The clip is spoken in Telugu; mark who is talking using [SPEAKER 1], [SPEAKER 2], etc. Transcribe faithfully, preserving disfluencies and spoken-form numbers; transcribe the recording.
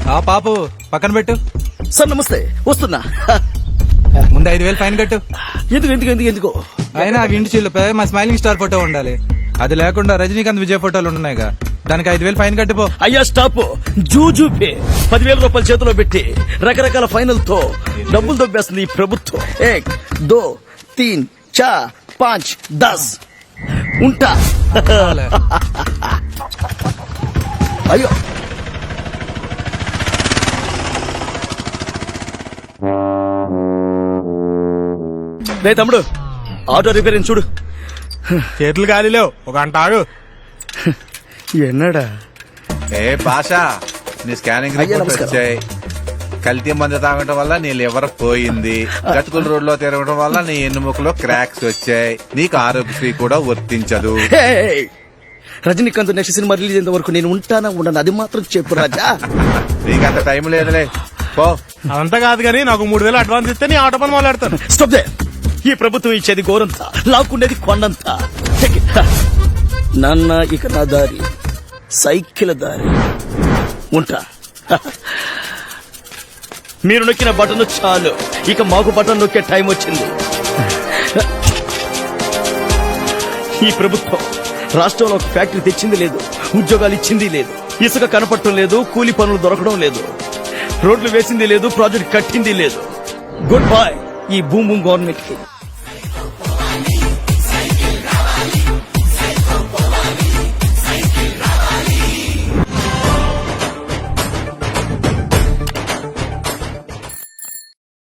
[SPEAKER 1] ఆ పాపు పక్కన పెట్టు.
[SPEAKER 2] సార్ నమస్తే, వస్తున్నా.
[SPEAKER 1] ముందు ఐదు వేలు ఫైన్ కట్టు.
[SPEAKER 2] ఎందుకు ఎందుకు ఎందుకు ఎందుకు
[SPEAKER 1] అయినా ఆ ఇంటి చిల్లుపై మా స్మైలింగ్ స్టార్ ఫోటో ఉండాలి. అది లేకుండా రజనీకాంత్ విజయ్ ఫోటోలు ఉన్నాయిగా, దానికి ఐదు వేలు ఫైన్ కట్టిపో.
[SPEAKER 2] అయ్యా స్టాప్. జూజూ పే పదివేల రూపాయల చేతిలో పెట్టి రకరకాల ఫైనల్ తో డబ్బులు దొబ్బేస్తుంది ఈ ప్రభుత్వం. ఏక్ దో తీన్ చార్ పాంచ్ దస్ ఉంటా. అయ్యో రే తమ్ముడు, ఆటో రిపేరింగ్ చూడు.
[SPEAKER 3] చేతులు గాలిలో ఒక గంట ఆగు.
[SPEAKER 2] ఎన్నడా
[SPEAKER 4] ఏ భాష, నీ స్కానింగ్
[SPEAKER 2] అయ్యా,
[SPEAKER 4] రిపోర్ట్
[SPEAKER 2] నమస్కారం.
[SPEAKER 4] వచ్చాయి. కల్తీ మందు తాగడం వల్ల నీ లివర్ పోయింది. గతుకుల రోడ్ లో తిరగడం వల్ల నీ ఎన్నుముకలో క్రాక్స్ వచ్చాయి. నీకు ఆరోగ్యశ్రీ కూడా వర్తించదు.
[SPEAKER 2] హే! రజనీకాంత్ నెక్స్ట్ సినిమా రిలీజ్ అయ్యేంత వరకు నేను ఉంటానా ఉండను, అది మాత్రం చెప్పు రాజా.
[SPEAKER 4] నీకంత టైం లేదులే, పో.
[SPEAKER 3] అదంతా కాదు కానీ నాకు మూడు వేలు అడ్వాన్స్ ఇస్తే నీ ఆటో పని మొదలెడతాను.
[SPEAKER 2] Stop they. ఈ ప్రభుత్వం ఇచ్చేది గోరంతా, లాక్కుండేది కొండంతా. నాన్న ఇక నా దారి సైకిల్ దారి. ఉంటా. మీరు నొక్కిన బటన్ చాలు, ఇక మాకు బటన్ నొక్కే టైం వచ్చింది. ఈ ప్రభుత్వం రాష్ట్రంలో ఒక ఫ్యాక్టరీ తెచ్చింది లేదు, ఉద్యోగాలు ఇచ్చింది లేదు, ఇసుక కనపడటం లేదు, కూలి పనులు దొరకడం లేదు, రోడ్లు వేసింది లేదు, ప్రాజెక్ట్ కట్టింది లేదు. గుడ్ బై ఈ భూమి గవర్నమెంట్ కి.